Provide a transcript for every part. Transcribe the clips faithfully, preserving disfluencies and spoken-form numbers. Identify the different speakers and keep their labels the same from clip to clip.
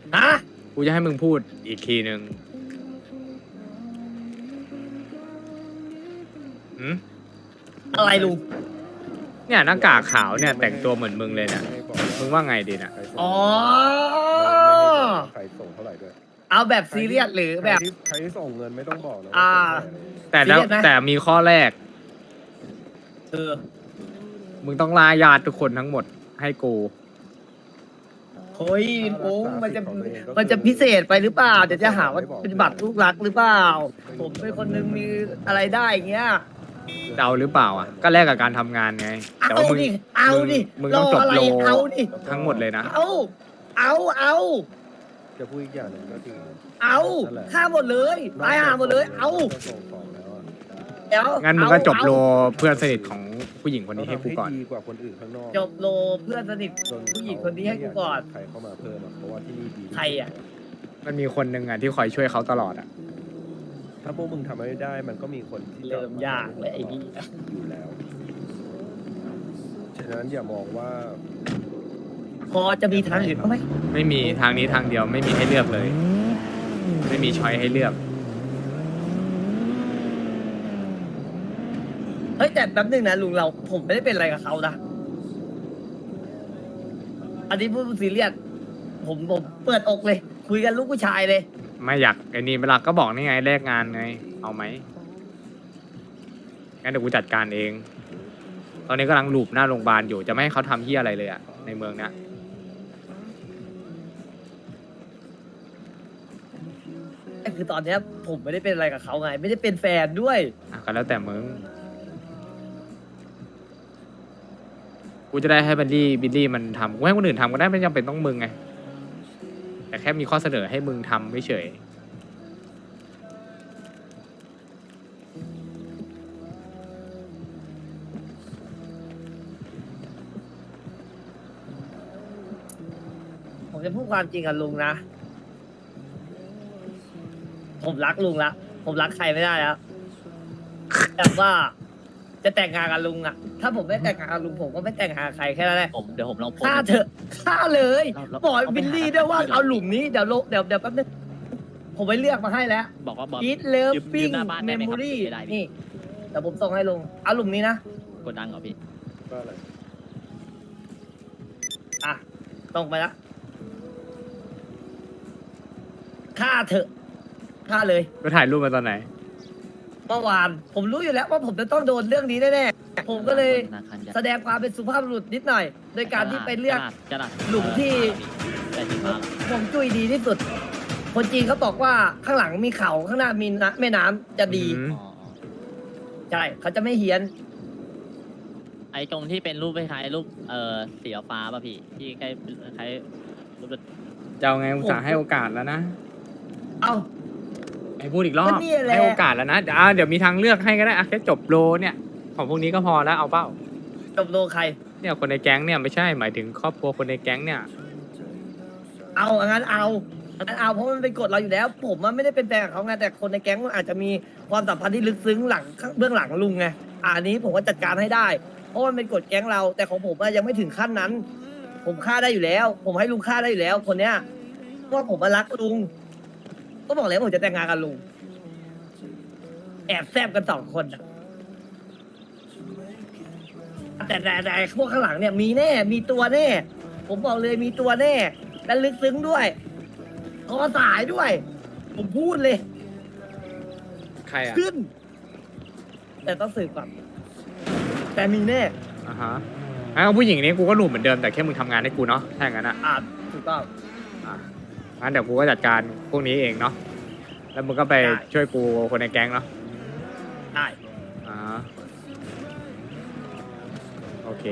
Speaker 1: ฮะ
Speaker 2: กูจะให้มึงพูดอีกทีหนึ่งหืม
Speaker 1: อะไรลุง
Speaker 2: เนี่ยหน้ากากขาวเนี่ยแต่งตัวเหมือนมึงเลยเนี่ยมึงว่าไงดีน่ะ
Speaker 1: อ๋อ
Speaker 3: ใครส่งเท่าไหร่ด้วย
Speaker 1: เอาแบบซีเรียสหรือแบบ
Speaker 3: ใครที่ใครที่ส่งเงินไม่ต้องบอกนะ
Speaker 1: อ่า
Speaker 2: แต่แล้ว
Speaker 1: ซีเรียสไหม
Speaker 2: แต่มีข้อแรก
Speaker 1: เออ
Speaker 2: มึงต้องลาญาติทุกคนทั้งหมดให้กู
Speaker 1: เฮ้ยโป้งมันจะมันจะพิเศษไปหรือเปล่าเดี๋ยวจะหาว่าเป็นบัตรลูกรักหรือเปล่า ผมเป็นคนนึงมีอะไรได้อย่างเงี้ย
Speaker 2: เดาหรือเปล่าอ่ะ ก็แลกกับการทำงานไง แต่
Speaker 1: เอา
Speaker 2: ว่ามึง
Speaker 1: ดิเอาดิ
Speaker 2: มึง
Speaker 1: ร
Speaker 2: ต้อง
Speaker 1: อ
Speaker 2: จบ
Speaker 1: อะไร
Speaker 2: โล
Speaker 1: เอาดิ
Speaker 2: ทั้งหมดเลยนะ
Speaker 1: เอาเอาเอา
Speaker 3: จะพูดอีกอย่างหนึ่งก็คือ
Speaker 1: เอาฆ่าหมดเลยตายหาหมดเลย เอา
Speaker 3: ส่งของแล้วอะ
Speaker 1: เดี๋ยว
Speaker 2: งั้นมึงก็จบโล
Speaker 1: เอา
Speaker 2: เพื่อนสนิทของผู้หญิงคนนี้ให้กูก่อน
Speaker 3: เราทำดีกว่าคนอื่นข้างนอก
Speaker 1: จบโลเพื่อนสนิท
Speaker 3: จน
Speaker 1: ผู้หญิงคนนี้ให้กูก่อน
Speaker 3: ใครเข้ามาเพิ่มอะเพราะว่าที่นี่ดี
Speaker 1: ใครอ่ะ
Speaker 2: มันมีคนหนึ่งอ่ะที่คอยช่วยเขาตลอดอ่ะ
Speaker 3: ถ้าพวกมึงทำไม่ได้มันก็มีคนที่จะ
Speaker 1: เริ่มยากและไอ้นี่
Speaker 3: อยู่แล้ว ฉะนั้นอย่ามองว่า
Speaker 1: พอจะมีทางอื่นบ้างไหม
Speaker 2: ไม่มีทางนี้ทางเดียวไม่มีให้เลือกเลย ไม่มีช้อยให้เลือก
Speaker 1: เฮ้ยแต่แป๊บนึงนะลุงเราผมไม่ได้เป็นอะไรกับเขานะอันนี้พูดซีเรียสผมผมเปิดอกเลย คุยกันลูกผู้ชายเลย
Speaker 2: ไม่อยากไอ้นี่เวลาก็บอกนี่ไงแลกงานไง เอาไหมงั้นเดี๋ยวกูจัดการเอง ตอนนี้กำลังลูบหน้าโรงพยาบาลอยู่จะไม่ให้เขาทำที่อะไรเลยอะในเมืองเนี้ย
Speaker 1: แต่คือตอนเนี้ยผมไม่ได้เป็นอะไรกับเขาไง ไม่ได้เป็นแฟนด้วย
Speaker 2: อ่ะก็แล้วแต่มึง กูจะได้ให้บิลลี่บิลลี่มันทำกูให้คนอื่นทำก็ได้ไม่จำเป็นต้องมึงไง แต่แค่มีข้อเสนอให้มึงทำไม่เฉย
Speaker 1: ผมจะพูดความจริงกับลุงนะ ผมรักลุงละผมรักใครไม่ได้แล้วแต่ว่าจะแต่งงานกับลุงอะถ้าผมไม่แต่งงานกับลุงผมก็ไม่แต่งงานกับใครแค่นั้นแหละ
Speaker 4: ผมเดี๋ยวผมลองโพส
Speaker 1: ฆ่า
Speaker 4: ต์
Speaker 1: เถอะฆ่าเลย
Speaker 4: เราเรา
Speaker 1: บอก
Speaker 4: เราไป
Speaker 1: บิลลี่
Speaker 4: หา
Speaker 1: ด้วยว่า
Speaker 4: ที่
Speaker 1: เอาหลุมนี้เดี๋ยวโลเดี๋ยวเดี๋ยวแป๊บนึงผมไปเลือกมาให้แล้ว
Speaker 4: บอกว่าบอก
Speaker 1: อีทเลิฟ
Speaker 4: ยืม
Speaker 1: ปิ้
Speaker 4: ยื
Speaker 1: ง
Speaker 4: มหน้าบ้าน
Speaker 1: เม
Speaker 4: ได้ไหม
Speaker 1: มโม
Speaker 4: ครับ
Speaker 1: รี่
Speaker 4: ไม่ได้พี่
Speaker 1: นี่เดี๋ยวผมส่งให้ลุงเอาหลุมนี้นะ
Speaker 4: กดดังเหรอพี่
Speaker 3: ก็อะไร
Speaker 1: อ่ะส่งไปละฆ่าเถอะฆ่าเลย
Speaker 2: ก็ถ่ายรูปมาตอนไหน
Speaker 1: เมื่อวานผมรู้อยู่แล้วว่าผมจะต้องโดนเรื่องนี้แน่ๆผมก็เลย
Speaker 4: ธนาคารใหญ่
Speaker 1: แสดงความเป็นสุภาพบุรุษนิดหน่อย โดยการที่ไปเลือก
Speaker 4: จะหลัด
Speaker 1: หลุมที่
Speaker 4: แต่ที่มา
Speaker 1: ฮวงจุ้ยดีที่สุด คนจีนเขาบอกว่าข้างหลังมีเขาข้างหน้ามีน้ำแม่น้ำจะดี
Speaker 2: อืม
Speaker 4: อ๋อ
Speaker 1: ใช่เขาจะไม่เฮี้ยน
Speaker 4: ไอ้ตรงที่เป็นรูปคล้ายๆรูปเอ่อสีฟ้าป่ะพี่ที่ใกล้คล้ายรูป
Speaker 2: จะเอาไงอุตส่าห์ให้โอกาสแล้วนะ
Speaker 1: เอ้า
Speaker 2: ให้พูดอีกรอบ
Speaker 1: ก็เนี่ยแหละ
Speaker 2: ให้โอกาสแล้วนะเดี๋ยวอ่ะเดี๋ยวมีทางเลือกให้ก็ได้อะแค่จบโลเนี่ย ของพวกนี้ก็พอแล้วเอาเป้า
Speaker 1: จบโลใคร
Speaker 2: เนี่ยคนในแก๊งเนี่ยไม่ใช่หมายถึงครอบครัวคนในแก๊งเนี่ย
Speaker 1: เอางั้นเอางั้นเอาเพราะมันเป็นกฎเราอยู่แล้ว ผมมันไม่ได้เป็นแฟนกับเขาไงแต่คนในแก๊งมันอาจจะมีความสัมพันธ์ที่ลึกซึ้งหลังเบื้องหลังลุงไงอะอันนี้ผมก็จัดการให้ได้ เพราะมันเป็นกฎแก๊งเรา แต่ของผมอะยังไม่ถึงขั้นนั้น ผมฆ่าได้อยู่แล้ว ผมให้ลุงฆ่าได้อยู่แล้ว คนเนี้ยเพราะว่าผมมารักลุง ก็บอกแล้วผมจะแต่งงานกับลุง แอบแซบกันสองคนอะแต่แต่แต่พวกข้างหลังเนี่ยมีแน่ มีตัวแน่ ผมบอกเลยมีตัวแน่ และลึกซึ้งด้วยคอสายด้วย ผมพูดเลย
Speaker 2: ใครอ่ะ
Speaker 1: ขึ้น แต่ต้องสืบก่อนแต่มีแน่
Speaker 2: อ่าฮะงั้นเอาผู้หญิงนี้กูก็หลุมเหมือนเดิมแต่แค่มึงทำงานให้กูเนาะถ้าอย่างนั้นอ่ะ
Speaker 1: อาจถูกต้อง
Speaker 2: อ่ะงั้นเดี๋ยวกูก็จัดการพวกนี้เองเนาะแล้วมึงก็ไป
Speaker 1: ได้
Speaker 2: ช่วยกูคนในแก๊งเนาะ
Speaker 1: ได้
Speaker 2: อ่าโอเค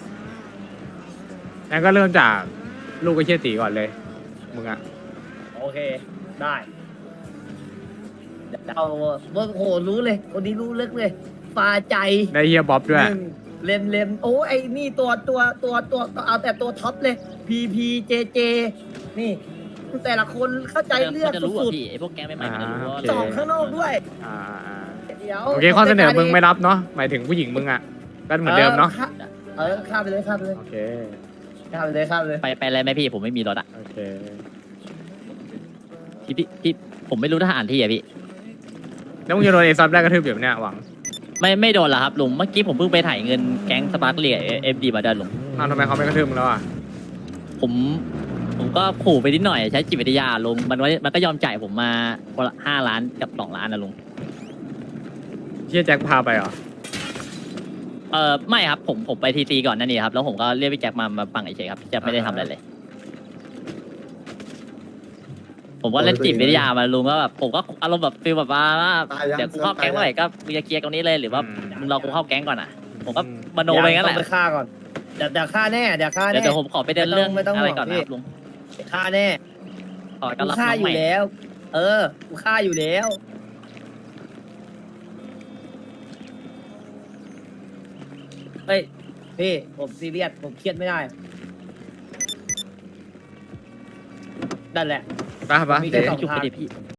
Speaker 2: งั้นก็เริ่มจากลูกไอ้เชี่ยตีก่อนเลยมึงอ่ะ
Speaker 1: โอเค ได้เดี๋ยวเอาเมื่อโหรู้เลย คนนี้รู้ลึกเลยฟาใจ
Speaker 2: ได้เฮียบ๊อบด้วย
Speaker 1: หนึ่งเลมเลมโอ้ไอ้นี่ตัวตัวตัวตัวเอาแต่ตัวท็อปเลย พีพีเจเจนี่ แต่ละคนเข้าใจเลือก
Speaker 4: จะรู้
Speaker 1: สุ
Speaker 4: อ่ะ
Speaker 1: ด
Speaker 4: พี่ไอ้พวกแก๊งใหม่ๆมันจะรู้ว่า
Speaker 1: ๆสองข้างนอกด้วย
Speaker 2: อ่าอ่า
Speaker 1: เดี๋ยว
Speaker 2: โอเคข้อเสนอมึงไม่รับเนาะหมายถึงผู้หญิงมึงอ่ะก็เหมือนเดิมเนาะ
Speaker 1: ออเออข้ามไปเลยข้ามไปเลย
Speaker 2: โอเค
Speaker 1: ข้ามไปเลยข้ามไปเลย
Speaker 4: ไปไปอะไรไหมพี่ผมไม่มีรถอ่ะ
Speaker 2: โอเค
Speaker 4: ที่พี่ที่ผมไม่รู้ทหารที่อะพี่
Speaker 2: แล้วมึงจะโดนเอซับได้กระทืบแบบเนี้ยหวัง
Speaker 4: ไม่ไม่โดนละครับลุงเมื่อกี้ผมเพิ่งไปถ่ายเงินแก๊งสปาร์คเลียเอฟดีมาด้วยลุง
Speaker 2: อ้าวทำไมเขาไม่กระทืบมึงแล้วอ่ะ
Speaker 4: ผมผมก็ขู่ไปนิดหน่อยใช้จิตวิทยาลุงมันว่ามันก็ยอมจ่ายผมมาคนละห้าล้านกับสองล้านนะลุง
Speaker 2: เชี่ยแจ็คพาไปเหรอ
Speaker 4: เออไม่ครับผมผมไปทีซีก่อนนั่นนี่ครับแล้วผมก็เรียกพี่แจ็คมามาฟังเฉยๆครับพี่แจ็คไม่ได้ทำอะไรเลย ผมก็เล่นจิตวิทยามาลุงก็แบบผมก็อารมณ์แบบฟีลแบบว่าเดี๋ยวกูเข้าแก๊งเมื่อไหร่ก็มึงจะเคลียร์ตรงนี้เลยหรือว่า
Speaker 2: อืม
Speaker 4: มึงรอกูเข้าแก๊งก่อนอ่ะ ผมก็มโนไปงั้นแห
Speaker 1: ต้
Speaker 4: ละ
Speaker 1: องไปฆ่าก่อนเดี๋ยวเดี๋ยวฆ่าแน่เดี๋ยวฆ่า
Speaker 4: เดี๋ยว
Speaker 1: แน่
Speaker 4: เดี๋ยวผมขอไปเดินเรื่อง
Speaker 1: ไม่ต้อง
Speaker 4: อะไร
Speaker 1: ห่วง
Speaker 4: ก่อน
Speaker 1: พี่
Speaker 4: นะครับลุง
Speaker 1: ฆ่าแน่
Speaker 4: ขอต้
Speaker 1: กู
Speaker 4: อนรับ
Speaker 1: ฆ่า
Speaker 4: น้อง
Speaker 1: อ
Speaker 4: ให
Speaker 1: ยู่
Speaker 4: ม่
Speaker 1: แล้ว เออกูฆ่าอยู่แล้วเฮ้ยพี่ผมซีเรียสผมเครียดไม่ได้นั่นแหละ
Speaker 2: ไปปะ
Speaker 1: มีแค่สอง
Speaker 4: จุก
Speaker 1: ทาง
Speaker 4: ไปดิพี่